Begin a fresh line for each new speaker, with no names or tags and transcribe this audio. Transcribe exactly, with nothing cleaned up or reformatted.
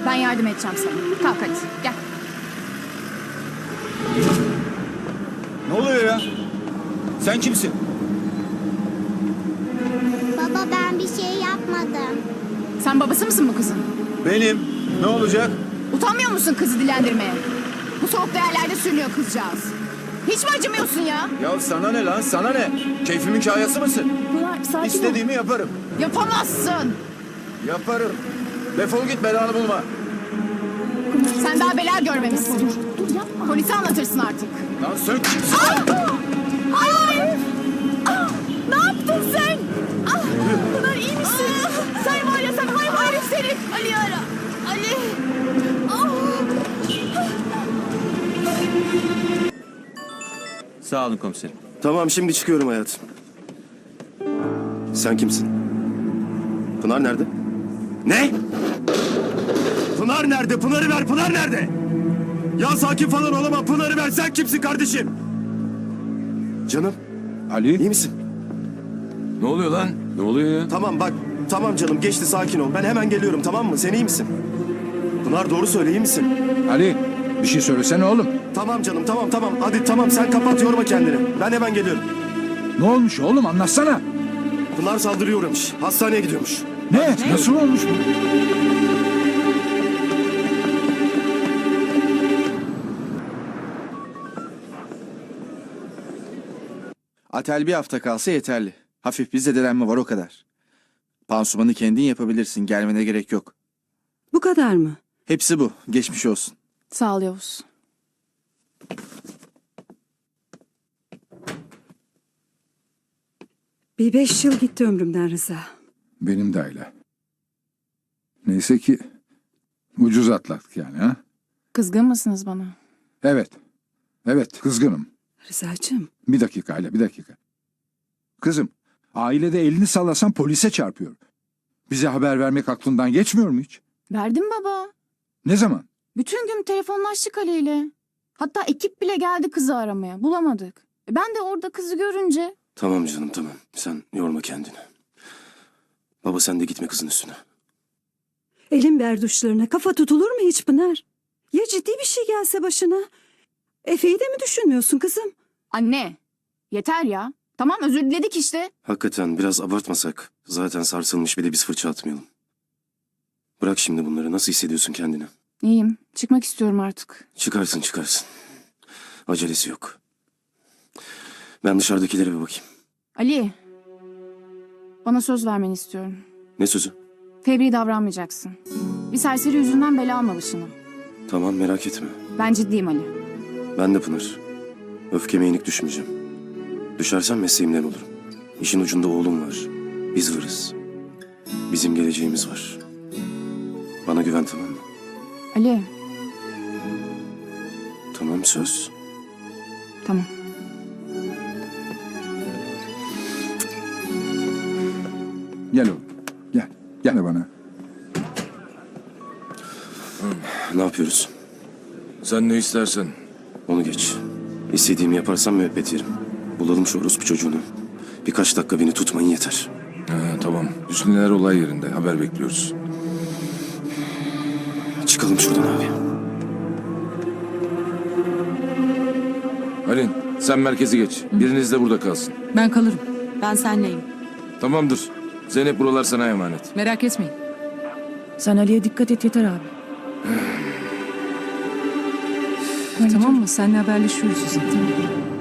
Ben yardım edeceğim sana. Kalk hadi gel.
Ne oluyor ya? Sen kimsin?
Baba ben bir şey yapmadım.
Sen babası mısın bu kızın?
Benim. Ne olacak?
Utanmıyor musun kızı dilendirmeye? Bu soğuk yerlerde sürünüyor kızcağız. Hiç mi acımıyorsun ya?
Ya sana ne lan? Sana ne? Keyfimin kayası mısın?
Pınar sakin
İstediğimi yaparım.
Yapamazsın.
Yaparım. Defol git, belanı bulma.
Sen daha bela görmemişsin. Dur yapma. Polise anlatırsın artık.
Lan sen kimsin?
Hayır! Ah, ne yaptın sen? Ah, Pınar iyi misin? Sen var ya sen hayvan herif seni. Ali ara. Ali. Ah.
Sağ olun komiserim.
Tamam şimdi çıkıyorum hayatım. Sen kimsin? Pınar nerede? Ne? Pınar nerede? Pınar'ı ver. Pınar nerede? Ya sakin falan olamam. Pınar'ı ver. Sen kimsin kardeşim? Canım
Ali?
iyi misin?
Ne oluyor lan? Ne oluyor ya?
Tamam bak. Tamam canım geçti sakin ol. Ben hemen geliyorum tamam mı? Sen iyi misin? Pınar doğru söyle iyi misin?
Ali bir şey söylesene oğlum.
Tamam canım tamam tamam. Hadi tamam sen kapat yorma kendini. Ben hemen geliyorum.
Ne olmuş oğlum anlatsana.
Pınar saldırıya uğramış. Hastaneye gidiyormuş.
Ne? Nasıl olmuş bu?
Atel bir hafta kalsa yeterli. Hafif bir zedelenme var o kadar. Pansumanı kendin yapabilirsin. Gelmene gerek yok.
Bu kadar mı?
Hepsi bu. Geçmiş olsun.
Sağ ol Yavuz.
Bir beş yıl gitti ömrümden Rıza.
Benim de öyle. Neyse ki ucuz atlattık yani ha.
Kızgın mısınız bana?
Evet. Evet kızgınım.
Rıza'cığım.
Bir dakika Ayla bir dakika. Kızım ailede elini sallasan polise çarpıyor. Bize haber vermek aklından geçmiyor mu hiç?
Verdim baba.
Ne zaman?
Bütün gün telefonlaştık Ali ile. Hatta ekip bile geldi kızı aramaya. Bulamadık. E ben de orada kızı görünce...
Tamam canım tamam. Sen yorma kendini. Baba sen de gitme kızın üstüne.
Elin berduşlarına kafa tutulur mu hiç Pınar? Ya ciddi bir şey gelse başına? Efe'yi de mi düşünmüyorsun kızım?
Anne, yeter ya. Tamam özür diledik işte.
Hakikaten biraz abartmasak. Zaten sarsılmış bir de biz fırça atmayalım. Bırak şimdi bunları. Nasıl hissediyorsun kendini?
İyiyim. Çıkmak istiyorum artık.
Çıkarsın çıkarsın. Acelesi yok. Ben dışarıdakilere bir bakayım.
Ali, bana söz vermeni istiyorum.
Ne sözü?
Fevri davranmayacaksın. Bir serseri yüzünden bela alma başına.
Tamam merak etme.
Ben ciddiyim Ali.
Ben de Pınar. Öfkeme yenik düşmeyeceğim. Düşersem mesleğimden olurum. İşin ucunda oğlum var. Biz varız. Bizim geleceğimiz var. Bana güven tamam mı?
Ali,
Tamam söz.
tamam.
Gel oğlum. Gel. Gel bana.
Ne yapıyoruz?
Sen ne istersen.
Onu geç. İstediğimi yaparsam müebbet yerim. Bulalım şu orospu çocuğunu. Birkaç dakika beni tutmayın yeter.
Ha, tamam. Hüsnüler olay yerinde. Haber bekliyoruz.
Çıkalım şuradan abi.
Halin sen merkezi geç. Biriniz de burada kalsın.
Ben kalırım. Ben senleyim.
Tamamdır. Zeynep buralar sana emanet.
Merak etmeyin. Sen Ali'ye dikkat et yeter abi. Tamam mı? Seninle haberleşiyoruz. Tamam.